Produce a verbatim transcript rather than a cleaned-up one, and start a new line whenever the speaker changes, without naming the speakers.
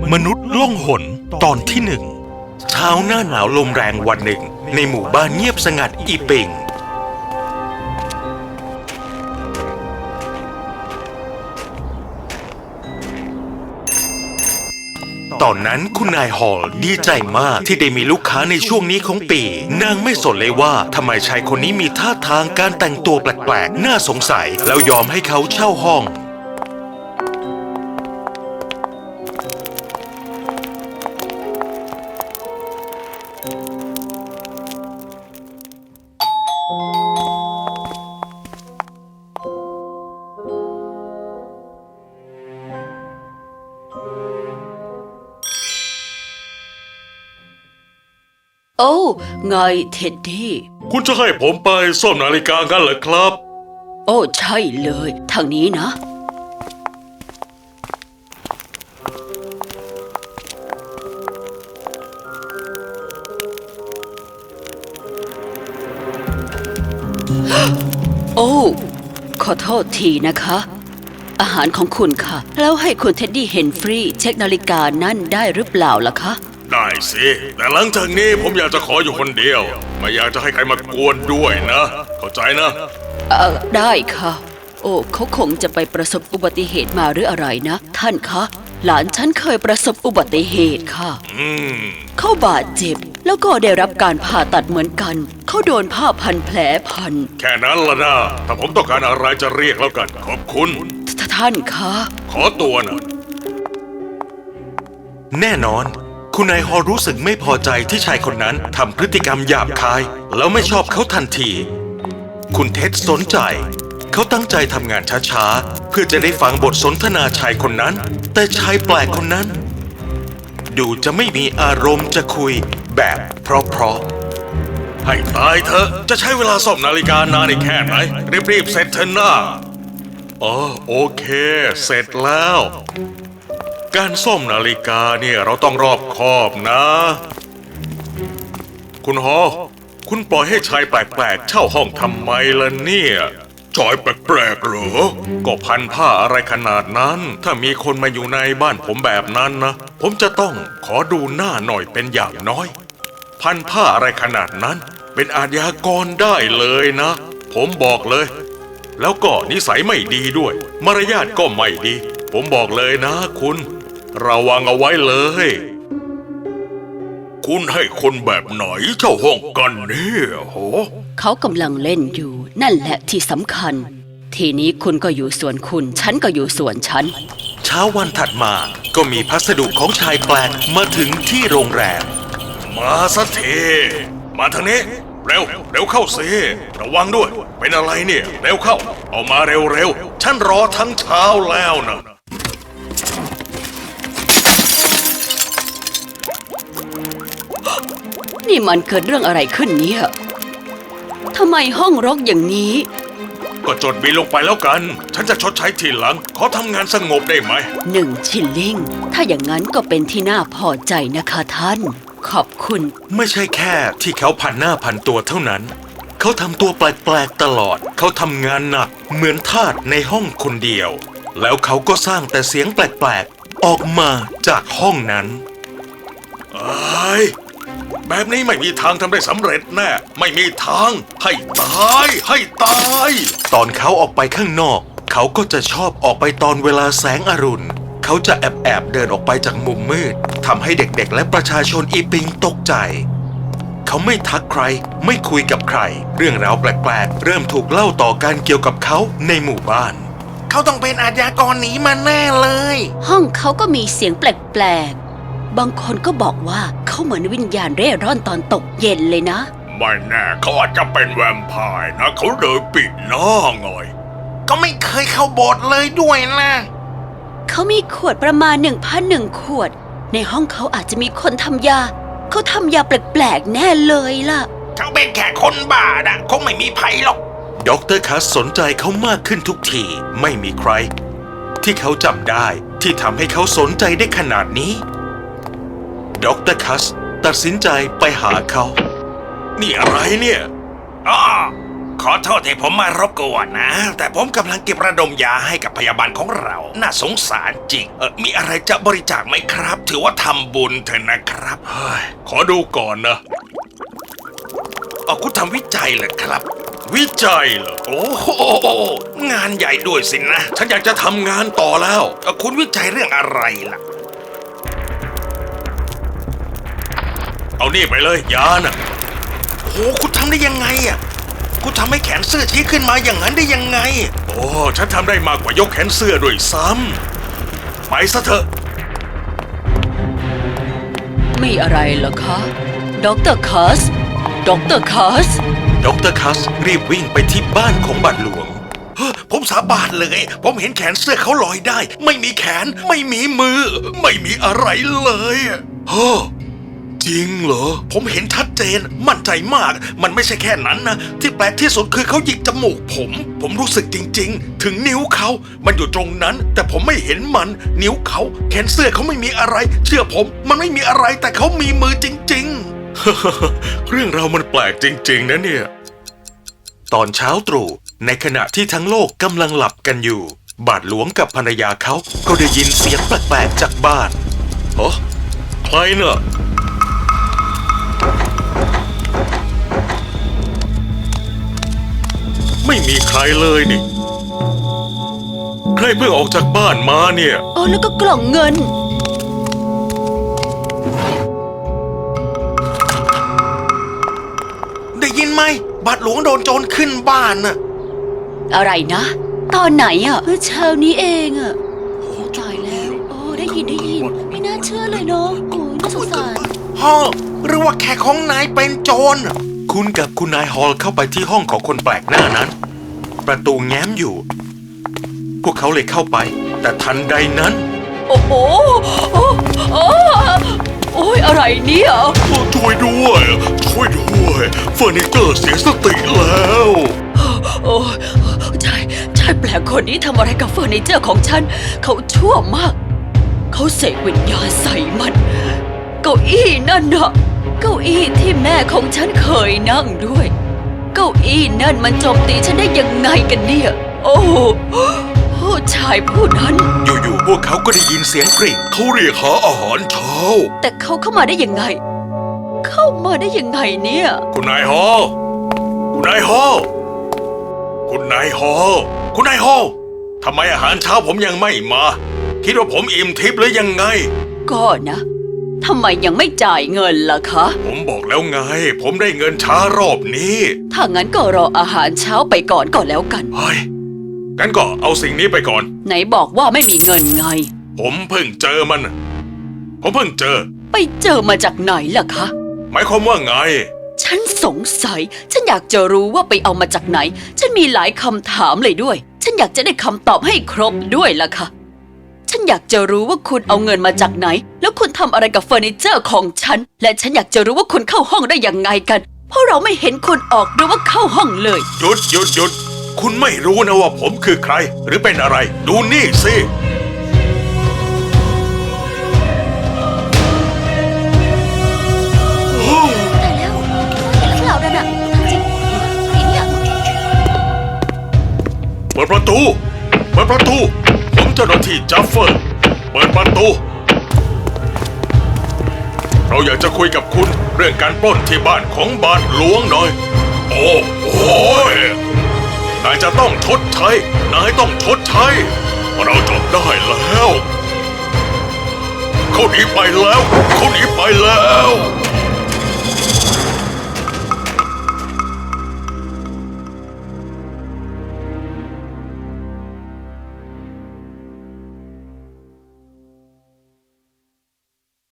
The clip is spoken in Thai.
มนุษย์ล่องหนตอนที่หนึ่งเช้าหน้าหนาวลมแรงวันหนึ่งในหมู่บ้านเงียบสงัดอีปิงตอนนั้นคุณนายฮอลดีใจมากที่ได้มีลูกค้าในช่วงนี้ของปีนางไม่สนเลยว่าทำไมชายคนนี้มีท่าทางการแต่งตัวแปลกๆน่าสงสัยแล้วยอมให้เขาเช่าห้อง
โอ้ไงเท็ดดี้
คุณจะให้ผมไปซ่อมนาฬิกากันเหรอครับ
โอ้ใช่เลยทางนี้นะโอ้ขอโทษทีนะคะอาหารของคุณค่ะแล้วให้คุณเท็ดดี้เฮนฟรีเช็คนาฬิกานั่นได้หรือเปล่าล่ะคะ
ได้สิแต่หลังจากนี้ผมอยากจะขออยู่คนเดียวไม่อยากจะให้ใครมากวนด้วยนะเข้าใจนะ
เออได้ค่ะโอ้เขาคงจะไปประสบอุบัติเหตุมาหรืออะไรนะท่านคะหลานฉันเคยประสบอุบัติเหตุค่ะ
อืม
เขาบาดเจ็บแล้วก็ได้รับการผ่าตัดเหมือนกันเขาโดนผ้าพันแผลพัน
แค่นั้นละนะถ้าผมต้องการอะไรจะเรียกแล้วกันขอบคุณ
ท่านคะ
ขอตัวนะ
แน่นอนคุณนายฮอลรู้สึกไม่พอใจที่ชายคนนั้นทำพฤติกรรมหยาบคายแล้วไม่ชอบเขาทันทีคุณเท็ดสนใจเขาตั้งใจทำงานช้าๆเพื่อจะได้ฟังบทสนทนาชายคนนั้นแต่ชายแปลกคนนั้นดูจะไม่มีอารมณ์จะคุยแบบเพราะ
ๆให้ตายเถอะจะใช้เวลาซ่อมนาฬิกานานอีกแค่ไหนรีบๆเสร็จเถอะนะอ๋อโอเคเสร็จแล้วการซ่อมนาฬิกาเนี่ยเราต้องรอบคอบนะคุณฮอคุณปล่อยให้ชายแปลกๆเช่าห้องทำไมล่ะเนี่ยชายแปลกๆเหรอก็พันผ้าอะไรขนาดนั้นถ้ามีคนมาอยู่ในบ้านผมแบบนั้นนะผมจะต้องขอดูหน้าหน่อยเป็นอย่างน้อยพันผ้าอะไรขนาดนั้นเป็นอาชญากรได้เลยนะผมบอกเลยแล้วก็นิสัยไม่ดีด้วยมารยาทก็ไม่ดีผมบอกเลยนะคุณระวังเอาไว้เลยคุณให้คนแบบไหนเช่าห้องกันเนี่ยโห
เขากำลังเล่นอยู่นั่นแหละที่สำคัญทีนี้คุณก็อยู่ส่วนคุณฉันก็อยู่ส่วนฉัน
เช้าวันถัดมาก็มีพัสดุของชายแปลกมาถึงที่โรงแรม
มาสักทีมาทางนี้เร็วเร็วเข้าสิระวังด้วยเป็นอะไรเนี่ยเร็วเข้าเอามาเร็วเร็วฉันรอทั้งเช้าแล้วนะ
นี่มันเกิดเรื่องอะไรขึ้นเนี่ยทำไมห้องรกอย่างนี้
ก็จดบิลลงไปแล้วกันฉันจะชดใช้ทีหลังขอทำงานสงบได้ไหม
หนึ่งชิลลิงถ้าอย่างนั้นก็เป็นที่น่าพอใจนะคะท่านขอบคุณ
ไม่ใช่แค่ที่เขาพันหน้าพันตัวเท่านั้นเขาทำตัวแปลกๆตลอดเขาทำงานหนักเหมือนทาสในห้องคนเดียวแล้วเขาก็สร้างแต่เสียงแปลกๆออกมาจากห้องนั้น
ไอ้แบบนี้ไม่มีทางทำได้สำเร็จแน่ไม่มีทางให้ตายให้ตาย
ตอนเขาออกไปข้างนอกเขาก็จะชอบออกไปตอนเวลาแสงอรุณเขาจะแอบแอบเดินออกไปจากมุมมืดทำให้เด็กๆและประชาชนอีปิงตกใจเขาไม่ทักใครไม่คุยกับใครเรื่องราวแปลกๆเริ่มถูกเล่าต่อกันเกี่ยวกับเขาในหมู่บ้าน
เขาต้องเป็นอาชญากรหนีมาแน่เลย
ห้องเขาก็มีเสียงแปลกบางคนก็บอกว่าเขาเหมือนวิญญาณเร่ร่อนตอนตกเย็นเลยนะ
ไม่แน่เขาอาจจะเป็นแวมไพร์นะเขาเลยปิดหน้าไง
ก็ไม่เคยเข้าโบสถ์เลยด้วยนะ
เขามีขวดประมาณหนึ่งพันหนึ่งขวดในห้องเขาอาจจะมีคนทำยาเขาทำยาแปลกๆแน่เลยล่ะ
เขาเป็นแค่คนบ้านะคงไม่มีภัยหรอก
ด็อกเตอร์คัสสนใจเขามากขึ้นทุกทีไม่มีใครที่เขาจำได้ที่ทำให้เขาสนใจได้ขนาดนี้ด็อกเตอร์คัสตัดสินใจไปหาเขา
นี่อะไรเนี่ยอ้า
ขอโทษที่ผมมารบกวนนะ แต่ผมกำลังเก็บระดมยาให้กับพยาบาลของเรา น่าสงสารจริงเออมีอะไรจะบริจาคไหมครับ ถือว่าทำบุญเถอะนะครับเฮ้ย
ขอดูก่อนนะ
เอาคุณทำวิจัยเหรอครับ
วิจัยเหรอ
โอ้โหงานใหญ่ด้วยสินะ
ฉันอยากจะทำงานต่อแล้ว
เอ่อคุณวิจัยเรื่องอะไรล่ะ
เอานี่ไปเลยยาน่ะ
โอ้คุณทำได้ยังไงอ่ะคุณทำให้แขนเสื้อชี้ขึ้นมาอย่างนั้นได้ยังไง
โอ้ฉันทำได้มากกว่ายกแขนเสื้อด้วยซ้ำไปซะเถอะ
มีอะไรเหรอคะด็อกเตอร์คัสด็อกเตอร์คัส
ดรคัสรีบวิ่งไปที่บ้านของบัตรหลวง
เฮ้ยผมสาบานเลย ผมเห็นแขนเสื้อเขาลอยได้ ไม่มีแขน ไม่มีมือ ไม่มีอะไรเลยเฮ้อ
จริงเหรอ
ผมเห็นชัดเจน มั่นใจมาก มันไม่ใช่แค่นั้นนะ ที่แปลกที่สุดคือเขาหยิกจมูกผม ผมรู้สึกจริง ๆ ถึงนิ้วเขา มันอยู่ตรงนั้น แต่ผมไม่เห็นมัน นิ้วเขา แขนเสื้อเขาไม่มีอะไร เชื่อผม มันไม่มีอะไร แต่เขามีมือจริง
เรื่องราวมันแปลกจริง ๆ นะเนี่ย
ตอนเช้าตรู่ในขณะที่ทั้งโลกกำลังหลับกันอยู่ บาทหลวงกับภรรยาเขาก็ได้ยินเสียงแปลกๆจากบ้าน
เฮ้ใครเน่ะ ไม่มีใครเลยนี่ ใครเพิ่งออกจากบ้านมาเนี่ย
อ๋อแล้วก็กล่องเงิน
ๆ ได้ยินไหม บาทหลวงโดนโจรขึ้นบ้านน่ะ
อะไรนะ ตอนไหนอ่ะเมื่อเช้านี้เองอ่ะโอ้ตายแล้วโอ้ได้ยินได้ยิน ไม่น่าเชื่อเลยเนาะโอ้ยน่าสงสาร
พ่อหรือว่าแขกของนายเป็นโจร
คุณกับคุณนายฮอลเข้าไปที่ห้องของคนแปลกหน้านั้น ประตูแง้มอยู่ พวกเขาเลยเข้าไป แต่ทันใดนั้น
โอ้โหโอ้โอ้โอ้ยอะไรเนี่ย
ช่วยด้วย ช่วยด้วยเฟอร์นิเจอร์เสียสติแล้ว
โอ้ยใช่ใช่แปลกคนนี้ทำอะไรกับเฟอร์นิเจอร์ของฉัน เขาชั่วมาก เขาเสกวิญญาณใส่มัน เก้าอี้นั่นน่ะ เก้าอี้ที่แม่ของฉันเคยนั่งด้วย เก้าอี้นั่นมันโจมตีฉันได้ยังไงกันเนี่ย โอ้โหผู้ชายผู้นั้น
อยู่ๆพวกเขาก็ได้ยินเสียงกริ่ง
เขาเรียกหาอาหารเช้า
แต่เขาเข้ามาได้ยังไง เข้ามาได้ยังไงเนี่ย
คุณนายฮอลคุณนายฮอลคุณนายฮอลคุณนายฮอลทำไมอาหารเช้าผมยังไม่มา คิดว่าผมอิ่มทิพย์หรือยังไง
ก็นะทำไมยังไม่จ่ายเงินล่ะคะ
ผมบอกแล้วไง ผมได้เงินช้ารอบนี้
ถ้างั้นก็รออาหารเช้าไปก่อนก็แล้วกัน
เฮ้ยงั้นก็เอาสิ่งนี้ไปก่อน
ไหนบอกว่าไม่มีเงินไง
ผมเพิ่งเจอมัน ผมเพิ่งเจอ
ไปเจอมาจากไหนล่ะคะ
หมายความว่าไง
ฉันสงสัย ฉันอยากจะรู้ว่าไปเอามาจากไหน ฉันมีหลายคำถามเลยด้วย ฉันอยากจะได้คำตอบให้ครบด้วยล่ะค่ะ ฉันอยากจะรู้ว่าคุณเอาเงินมาจากไหน แล้วคุณทำอะไรกับเฟอร์นิเจอร์ของฉัน และฉันอยากจะรู้ว่าคุณเข้าห้องได้ยังไงกัน เพราะเราไม่เห็นคุณออกหรือว่าเข้าห้องเลย
หยุดหยุดหยุดคุณไม่รู้นะว่าผมคือใคร หรือเป็นอะไร ดูนี่สิ
แต่แล้วเห็นหรือเปล่านั่นน่ะจริงไอ้เนี่ย
เปิดประตู เปิดประตู ผมเจ้าหน้าที่จัฟเฟอร์ เปิดประตู เราอยากจะคุยกับคุณเรื่องการปล้นที่บ้านของบาทหลวงหน่อย โอ้โหยนายจะต้องชดใช้ นายต้องชดใช้ เราจับได้แล้ว เขาหนีไปแล้ว เขาหนีไปแล้ว